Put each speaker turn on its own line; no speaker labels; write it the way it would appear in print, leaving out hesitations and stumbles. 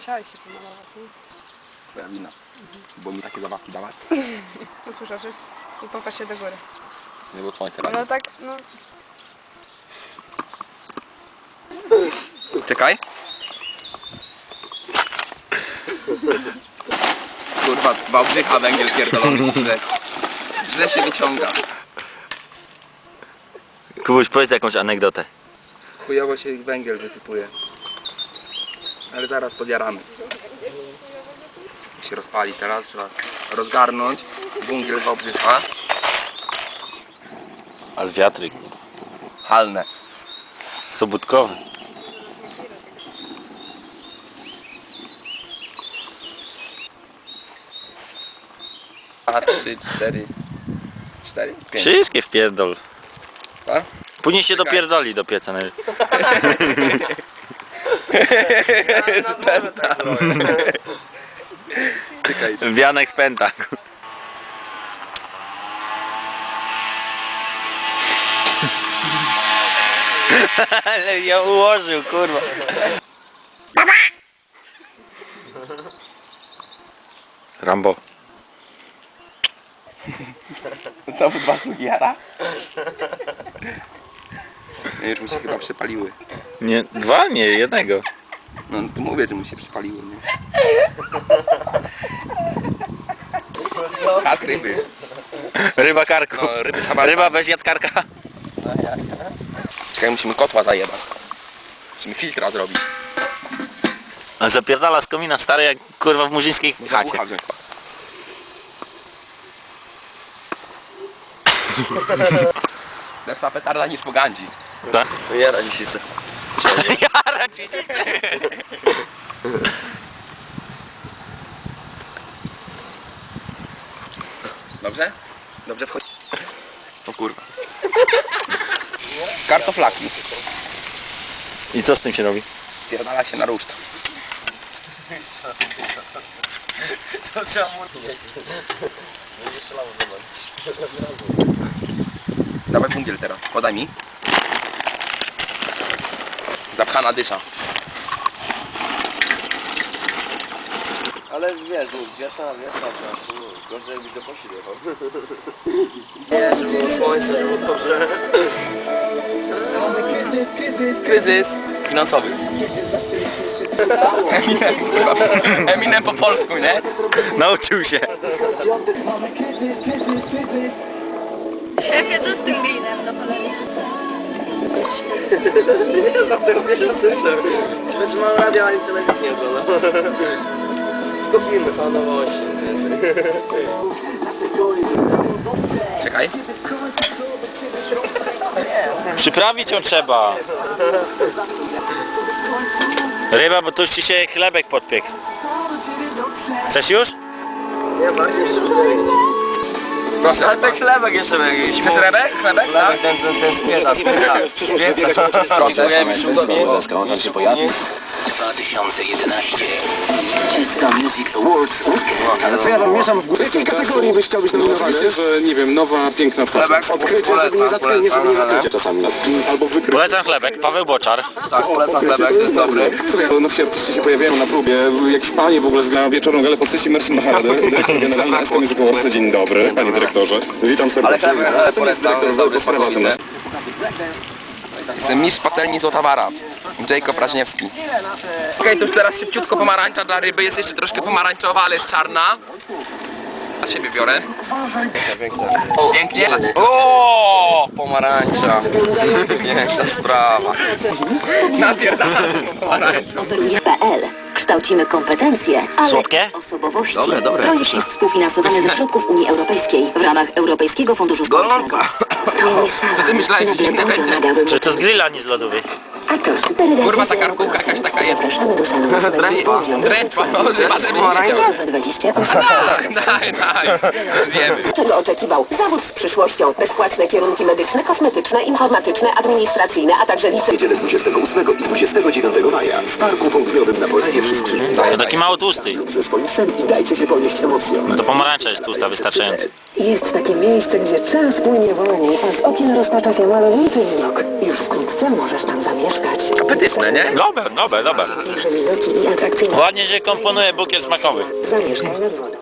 musiałeś się pomalować, nie?
Twoja wina. Bo mi takie zabawki dawać.
Usłyszasz i popatrz się do góry.
Nie było słońce
No
rano.
tak, no.
Czekaj. Kurwa, z Wałbrzycha węgiel pierdolony źle się wyciąga.
Kubuś, powiedz jakąś anegdotę.
Chujowo się węgiel wysypuje. Ale zaraz podjaramy. Się rozpali teraz, trzeba rozgarnąć węgiel Wałbrzycha.
Ale wiatryk.
Halne.
Sobótkowy.
A, 3, 4, 5.
Wszystkie wpierdol.
A?
Później się
Czekaj.
dopierdoli do pieca.
Czekaj.
Wianek z pęta. Ale ja ułożył, kurwa. Rambo.
Znowu dwa jara? Nie, już mu się chyba przepaliły.
Nie, dwa? Nie, jednego.
No to mówię, że mu się przepaliły, nie? Kark ryby.
Ryba karku.
No, ryby sama.
Ryba bez jadkarka.
Czekaj, musimy kotła zajebać. Musimy filtra zrobić.
A zapierdala z komina stary jak kurwa w murzyńskiej chacie.
Ucha wziąć. Lepsza petarda niż pogandzi.
Tak?
Jara mi się chce.
Jara ci się chce.
Dobrze? Dobrze wchodzi. O kurwa. Kartoflaki.
I co z tym się robi?
Pierdala się na ruszt.
To trzeba mu...
Dawaj bungiel teraz, podaj mi. Zapchana dysza.
Ale wiesz, wiesza, gorzej jakbyś do Polski jechał. Nie, żeby było słońce, żeby było dobrze.
Kryzys finansowy. Eminem po polsku, nie?
Nauczył się.
Szefie, co z tym greenem do cholery?
Nie znam tego, pierwszy raz słyszę. Czy wiesz, że mam radio, ani telewizji nie oglądam. Tylko filmy, są nowości, nic więcej.
Czekaj.
Przyprawić ją trzeba. Ryba, bo tu już ci się chlebek podpiekł. Chcesz już?
Nie, bardziej jeszcze
Proszę.
ale ten chlebek jeszcze jakiś.
Chcesz rebek? Chlebek? Tak?
Ten spieta.
Proszę.
On się pojawił. 2011 SK Music Awards Weekend.
Ale co ja wam mieszam w górę? W jakiej kategorii byś chciał być nominowany?
Oczywiście, że nie wiem, nowa, piękna twarz.
Chlebek?
Odkrycie, żeby nie zatrucie czasami. Albo wykrycie.
Polecam chlebek, Paweł Boczar.
Tak, polecam chlebek, to jest dobry.
Słuchaj, no wsi artyści się pojawiają na próbie. Jakieś panie w ogóle zgrają wieczorną galę postaci Mercy Maharadę, dyrektor generalny SK Music Awards. Dzień dobry, panie dyrektorze. Witam
Ale
serdecznie.
chlebek polecam, to jest dobry,
sprawa
smakowity. Jestem mistrz patelni Złotawara. Jacob Raźniewski. Okej, to już teraz szybciutko pomarańcza dla ryby. Jest jeszcze troszkę pomarańczowa, ale jest czarna. Dla siebie biorę. Pięknie. O, pomarańcza. Piękna sprawa. Napierdalam pomarańczą.
PL. Kształcimy kompetencje, ale
Słodkie?
osobowości.
Dobre.
Projekt jest współfinansowany ze środków Unii Europejskiej w ramach Europejskiego Funduszu Społecznego. To mój salon.
Co ty myślałeś, że
Nagle
inne
podział
będzie?
nadałby
Czy to z grilla, nie z lodówy?
A to super
Kurwa, ta karkówka jakaś taka jest.
Zapraszamy do salonu.
Drętwa, no chyba, że widzicie.
Za 28.
Daj. Zjemy.
Czego oczekiwał? Zawód z przyszłością. Bezpłatne kierunki medyczne, kosmetyczne, informatyczne, administracyjne, a także licencje.
Niedzielę 28 i 29 maja w Parku Południowym na Polanie przy Skrzyżowcu.
To taki mało tłusty.
Lub ze swoim psem i dajcie się ponieść emocjom.
No to pomarańcza jest tłusta, wystarczająco.
Jest takie miejsce, gdzie czas płynie wolniej, a z okien roztacza się malowniczy widok. Już wkrótce możesz tam zamieszkać.
sympatyczne, nie?
Dobre.
Piękniejsze widoki i atrakcyjne.
Ładnie się komponuje bukiet smakowy.
Zamieszkaj nad wodą.